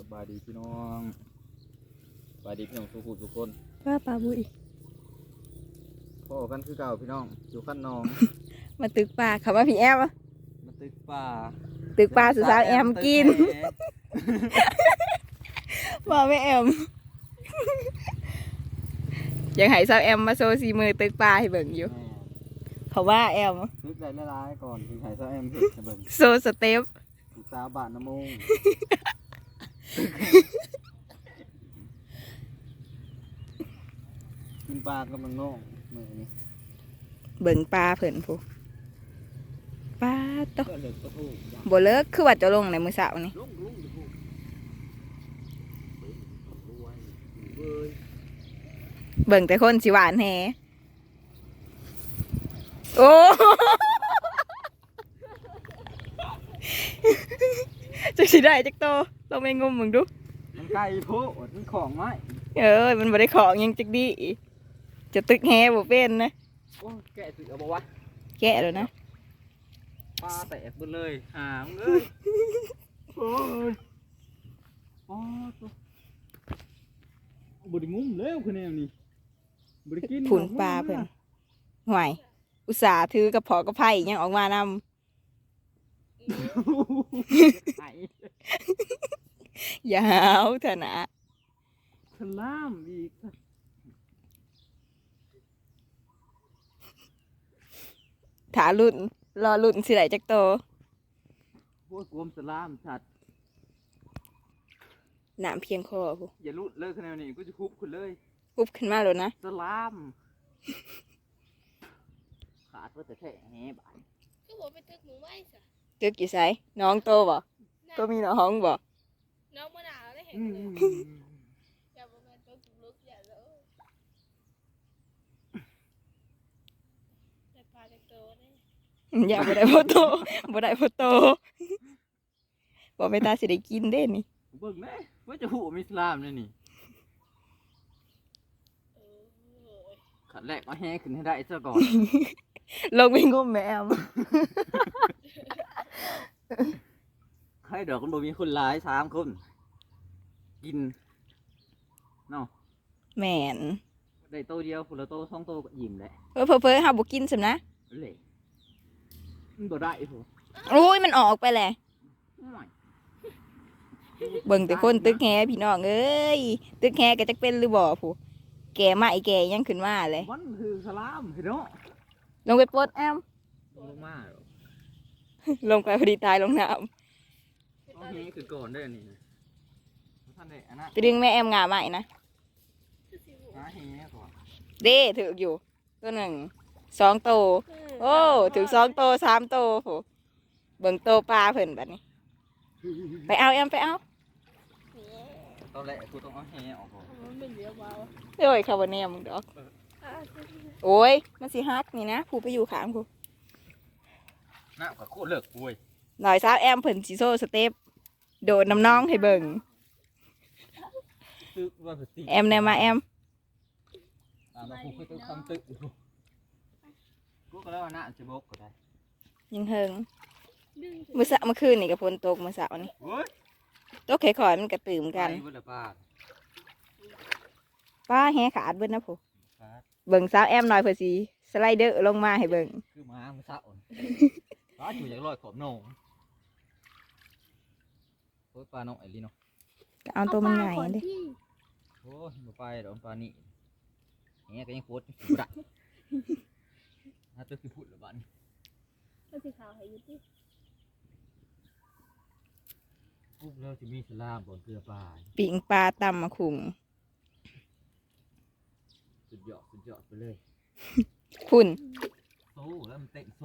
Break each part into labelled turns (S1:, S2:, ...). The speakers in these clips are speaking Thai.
S1: บายดีพี่น้องสบายดีพี่น้องทุกคน
S2: ว่าปลาบุย
S1: พ่อกันคือเก่าพี่น้องอยู่ขั้นน้อง
S2: มาตึกปลาเขาว่าพี่แอม
S1: มาตึกป่า
S2: ตึกปลาสุสาวแอมกินว่าไม่แอมยังให้สาวแอมมาโซซีมือตึกปลาให้เบิ่งอยู่เขาว่าแอม
S1: ตึกได้ละลายก่อนถึงหายซะแอมเห็ดจะเบิ่ง
S2: โซสเต็ป
S1: ถูกสาวบาทน้ำมงกินปลากำลังน้องมือนี้
S2: เบิ่งปลาเพิ่นผู้ปลาโต
S1: ก็เลิกก็ถูก
S2: บ่เลิกคือว่าจะลงในมื้อเช้านี่
S1: ลุงจะพูดรวยเว้ย
S2: เบิ่งแต่คนสิหวานแฮโอ้ จักสิได้จักโตลองไปงมมึงดู
S1: มันไก่โพดมันของไม้
S2: มันบ่ได้ของยังจักดีจะตึกแฮบ่เป็นนะ
S1: โอ้แกะสึกเอาบ่วะ
S2: แกะแล้วนะ
S1: ปลาแตกหมดเลยหางเลยโอ้ยอ๋อตัวบไดงุ้มแล้วคือแนวนี้บไดกิน
S2: ผุนปลาเพิ่นห่วยอุตส่าห์ถือกระเพาะกระไผ่ยังออกมานำ
S1: ไอ้
S2: ยาวเถอะนะ
S1: สลามอีก
S2: ถารุ่นรอรุ่นสิได้จักโต
S1: โอ้ยกลมสลามชัด
S2: น้ำเพียงคอผู้
S1: อย่าลุดเลยคือแนวนี้กูจะคุบคุณเลย
S2: ปุ๊บขึ้นมาแล้วนะ
S1: สลามขาดว่าแต่แค่แหบาน
S3: ก็บอกไปตึกหมูไม้สะ
S2: ตึกอยู่ไสน้องโตบ่ก็มีน้องบ่
S3: น้องมะนาวได้เห็น
S1: อื
S3: เลย
S1: ม
S3: อย่าบอกว่าตัวจุกลุกอย่าเลยแต่ปลาจากโตเนี่ย
S2: อย่าบ่ได้พ่อโตบ่ได้พ่อโตบ่ไปตาสิได้กินเด้นี่
S1: เบิ่งแม่ว่าจะหูมีสลามเนี่ยนี่
S3: เออ
S1: ขันแรกเอาแห่ขึ้นให้ได้ซะก่อน
S2: ลงไปงมแมว
S1: ใครดอกมันบ่มีคนร้าย3 คนกินเนาะ
S2: แม่น
S1: ได้โตเดียวคนละโต2 โตก็อิ่มแหละ
S2: เพ้อๆเฮาบ่กินซำนะ
S1: เละมันบ่ได้โห
S2: โอ้ยมันออกไปแหละ
S1: ไม่
S2: เบิ่งแต่คนตึกแฮพี่น้องเอ้ยตึกแฮก็จักเป็นหรือบ่ผู้แก่มาอีแก่ยังขึ้นมาเลย
S1: มันคือสลามเห็นเนาะ
S2: ลงไปปลดแอม
S1: ลงมาหรอ
S2: ลงไปพอดีตายลงน้
S1: ต้องแห่ขึ้นก่อนได้อนี่นะท่านได้อันนั้น
S2: ำจะดึงแม่แอมงาใหม่นะ
S1: หาแห่ก่อน
S2: เด้ถืออยู่ตัวหนึ่ง2 โตโอ้ถือ2 โต3 โตผู้เบิ่งโตปลาเพิ่นบัดนี้ไปเอาแอมไปเอา
S1: ตอนแรกกูต้องเอาแห่ออกก่อน
S3: มันไม่เหลือเบา
S2: โอ้ยคาร์บอนเนียมึงดอกโอ้ยมันสิฮักนี่นะผู้ไปอยู่ข้างผู้
S1: น้ำก็โคตรเลิกปุ้ย
S2: หน่อยสาวแอมเพิ่นสิโซสเต็ปโดดน้ำน้องให้เบิ่ง
S1: ตึกว่าสติ
S2: แอมแนวมาแอม
S1: เราคงเคยต้องทำตึกอยู่กูก็แล้วว่าน่าจะบกก็ได้
S2: ยังเฮิง
S3: ดึง
S2: มื้อเช้าเมื่อคืนนี่ก็ฝนตกมื้อเช้านี่
S1: เฮ้ย
S2: ตกค่อยๆมันก็ตื่มกัน
S1: ไปเบิ่งละป้า
S2: ป้าแฮขาดเบิดนะผู้
S1: ครับ
S2: เบิ่งสาวแอมหน่อยเพื่อสิสไลเดอร์ลงมาให้เบิ่ง
S1: คือหมาเมื่อเช้าอ่อนป้าอยู่อย่างลอยขอบโหนงโอ้ยปลาน้องไอ้ลีเนาะ
S2: ก็เอาตัวมันใหญ่เด้
S1: โอ้ยมาไปเดี๋ยวปลานี่แหก็ยังโคตรอยู่ได้ถ้าตัวคือพูดหรือบ้าน
S3: ก็สีขาวให้ยุติ
S1: ปุ๊บแล้วจะมีสลามบนเกลือปลา
S2: ปิ่งปลาตำมะขุง
S1: สุดยอดไปเลย
S2: พุ่น
S1: โซ่แล้วมันเตะโซ่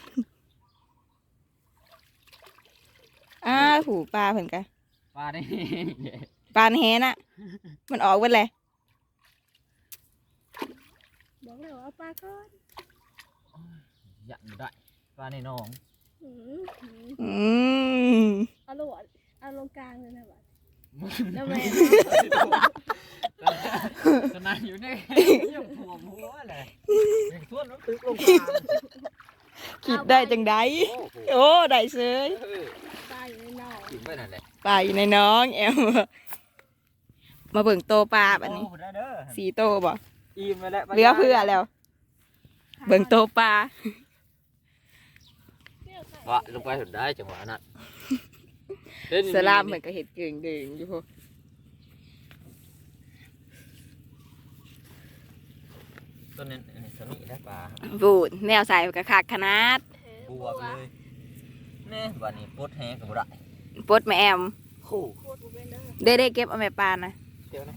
S2: หูปลาเพิ่นกะ
S1: ปลาได้
S2: ปลาแฮน่ะ มันออกเบิดเลย
S3: บอกเลยว่าปลาก้อน
S1: ยันได้ปลาในหนอง
S2: อืม
S3: เอาลงเอาลงกลางเลยนะบัดแล้วแม่
S1: ขนาดอยู่ในยังถ่วมหัวเลยยังส่วนน้ำตึกลงกลาง
S2: คิดได้จังไดโอ้ได้เสย
S3: ปลาอยู่ในนอก
S1: กินไปนั่นแหละ
S2: ปลาอยู่ในน้องแอมมาเบิ่งโตปลาแบบนี้
S1: โอ้ได้เด้อ
S2: 4 โตบ่
S1: อิ่มไปแล้ว
S2: เหลือเพื่อแล้ว เบิ่งโตปลา
S1: วะลงไปถึงได้จังหวะนั้น
S2: สลามเหมือนกับเห็ดเก่งเด่งอยู่พวก
S1: ต้นนี้สนิทได้ปลา
S2: บูดแนวใส่กับคักขนาด
S1: บวกเลยนี่วันนี้ปดแห้งกับบุได้
S2: ปดแม่แอม
S1: คู่
S3: โคตรเป็นเด้อ
S2: ได้เก็บเอาแม่ปลานะ
S1: เดี๋ยวนะ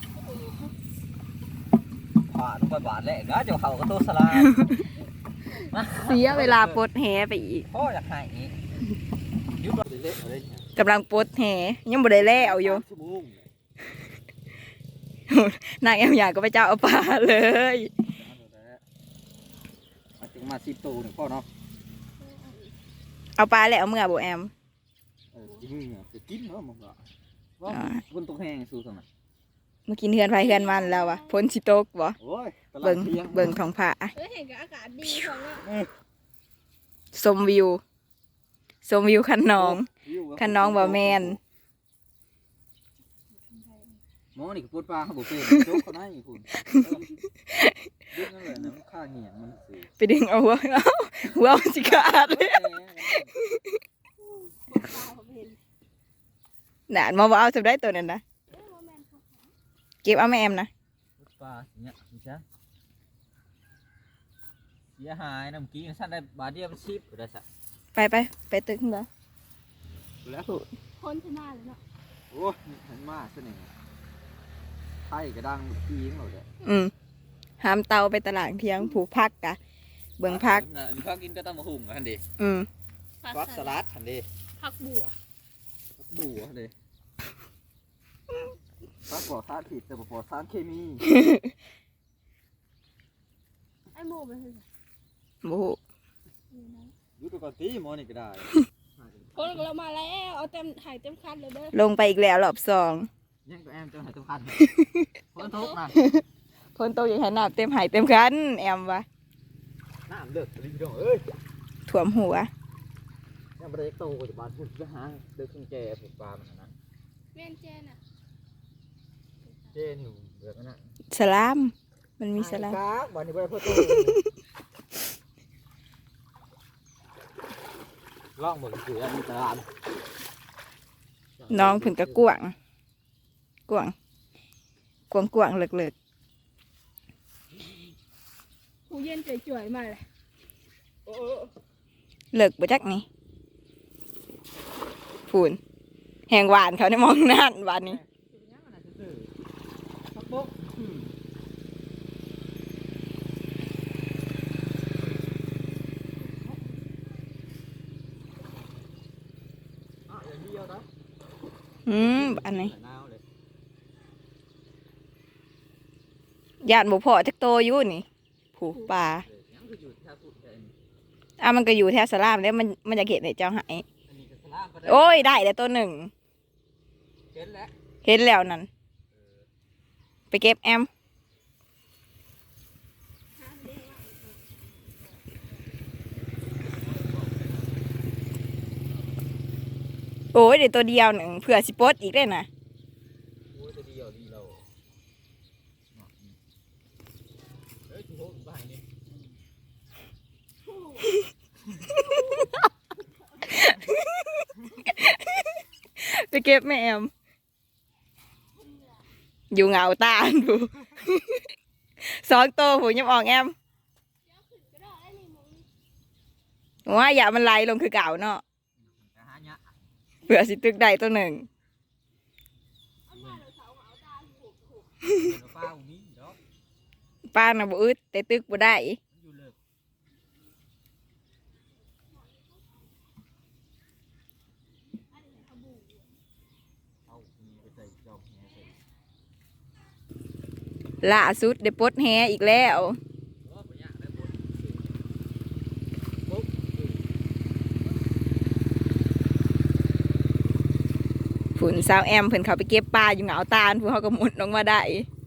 S1: ผ่าลงไปบาดแล้วก็เจ้าเขาก็ตัวสลาม
S2: เสียเวลาปลดแหไปอีก
S1: พ่ออยากให้อีกยุบเละเลย
S2: กำลังปลดแหยังบ่ได้แล้วอยู่
S1: ชั่วโมง
S2: นางแอมอยากก็ไปเจ้าเอาปลาเลย
S1: มาถึงมา10 ตัวหนึ่งพ่อเนาะ
S2: เอาปลาแล้วเอาเมื่อบ่แอม
S1: จริงเหรอจะกินเนาะมึงว่าว่าบนตกแห้งสู้ตรงไหน
S2: เมื่อกินเฮือนไฟเฮือนมันแล้ววะพ้นสิตกบ่
S1: โอ้ย
S2: เบิ่งเบิ่งท้องฟ้า
S3: เห็นกับอากาศดีของเนาะ
S2: ชมวิวคันน้องบ่แม่น
S1: หมอนี่ก็ปวดปลาเขาบอกเป็นโจ๊กเขาได้อีกคุณดึงนั่นแหละน้ำข้าเหี่ยมันสิ
S2: ไปดึงเอาหัวมันสิขาดเลย
S3: ปลาผมเห็น
S2: น่ะมาบ่เอาจับได้ตัวนั้นนะ
S3: ว่าแม่นเขา
S2: เก็บเอาแม่แอมนะ
S1: ปลาเนี่ยไม่ใช่เสียหายน้ำกี้สั้นได้บาทเดียวมันชิบได้สัก
S2: ไปตึกเหรอ
S1: แล้ว
S3: คนชนะเลยเนาะ
S1: โอ้ยมันมากซะหนึ่งไข่กระดังกี้งเราเด้อ
S2: หามเตาไปตลาดเที่ยงผูกพักกะเบิ่งพัก
S1: พักกินก็ต้องมาหุ่งกันดิ
S3: ผัก
S1: สลัดทันดิ
S3: ผักบัว
S1: ดูดิพักปลอดสารผิดแต่ปลอดสารเคมี
S3: ไอ้หมูมันคือ
S2: โอ้โห
S1: ดูตัวก่อนตีหมอนี่ก็ได้
S3: คนเรามาแล้วเอาเต็มถ่ายเต็มคันเลยเด้อ
S2: ลงไปอีกแล้วรอบสอง
S1: ยังตัวแอมจะหายตัวคันคนทุกนะ
S2: คนโตอย่างขนาดเต็มหายเต็มคันแอมวะ
S1: น้ำเลิกรีบดองเอ้ย
S2: ถ่วมหัว
S1: ยังไม่ได้โตกว่าจะบานพุ่นไปหาเลิกขึ้นแจผูกปลามันนะ
S3: แม่นเจน่ะ
S1: เจนี่เบือกนะ
S2: สลามมันมีสลาม
S1: ครับวันนี้ไปพ่อโตล่องหมดคืออันนี้ตลาด
S2: น้องเพิ่นก็กวางเลิก
S3: ผู้เย็นจ่วยๆมาเลย
S2: เลิกบ่จักนี่พูนแหงหวานเขาได้มองนั่นหวานนี้อันนี้ญาติบ่พอจักโตอยู่นี่ผูกปลามันก็อยู่แถวสลามแล้วมันจะเห็นให้เจ้าหายโอ้ยได้แล้วตัวหนึ่งเห็นแล้วนั่นไปเก็บแอมโอ้ยเดี๋ยวตัวเดียวหนึ่งเผื่อสิปลดอีกได้นะไปเก็บแม่แอมอยู่เหงาตาดู 2 ตัวหูยังออกแอมว่าอย่ามันไหลลงคือเก่าเนาะเผื่อสิตึกได้ตัวหนึ่งป้าน่ะบ่อึดแต่ตึกบ่ได้ล่าสุดได้ปลดแฮอีกแล้วผุนสาวแอมเพิ่นเขาไปเก็บปลาอยู่เหงาตาลผู้เขาก็มุดลงมาได้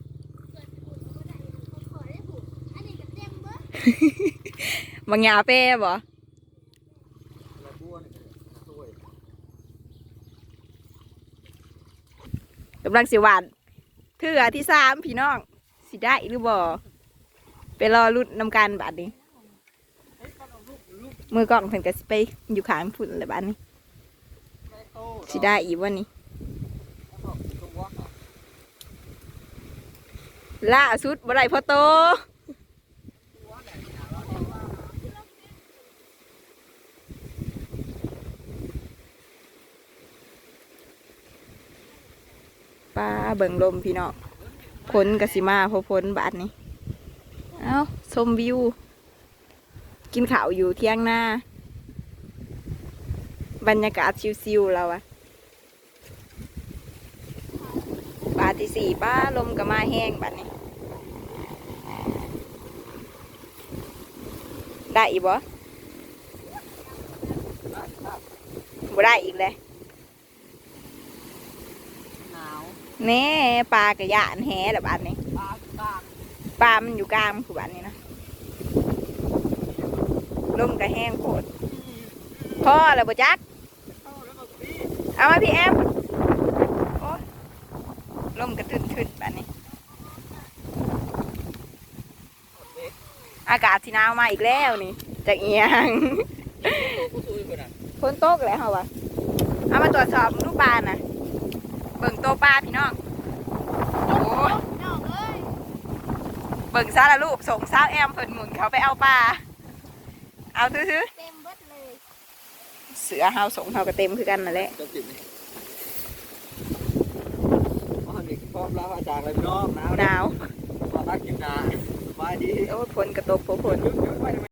S2: บางยาเป้บ่กำลังสิหวานเทื่อที่สามพี่น้องสิได้หรือบ่ไปรอรุ่นนำการบัดนี้มือกล้องเพิ่นก็สิไปอยู่ข้างพุ่นเลยบัดนี้สิได้อีกวันนี้ล่าสุดบ่ได้พอโตปลาเบิ่งลมพี่น้องพ้นกสิมาพอพ้นบาทนี้เอ้าชมวิวกินข้าวอยู่เที่ยงหน้าบรรยากาศชิวๆเราอะบาทที่สี่ป้าลมก็มาแห้งบัดนี้ได้อีกบ่บ่ได้อีกเลยแน่ปลากระยานแหแบบอันนี้ปลามันอยู่กลางคือแบบนี้นะลมกระแห้งโคตรพ่อแล้วบ่จักเอามาพี่แอมโอ้ลมกระทึนๆแบบนี้อากาศที่หนาวมาอีกแล้วนี่จากเอียงฝนตกแล้วเหรอวะเอามาตรวจสอบลูกปลาน่ะเบิ่งโตปลาพี่น้องโอ้ยเบิ่งซาละลูกส่งสาวแอมเพิ่นหมุนเขาไปเอาปลาเอาซื้อ
S3: เต็มเบิดเลย
S2: เสือเฮาส่งเฮาก็เต็มคือกันนั่นแหละ
S1: จะติดนี่อ๋อนี่พร้อมแล้วอาจารย์เลยพี่น้องหนาว
S2: หนาว
S1: ตอนนักกินนาสบายดี
S2: โอ้ยฝนกระตกฝน
S1: เดี๋ยวไป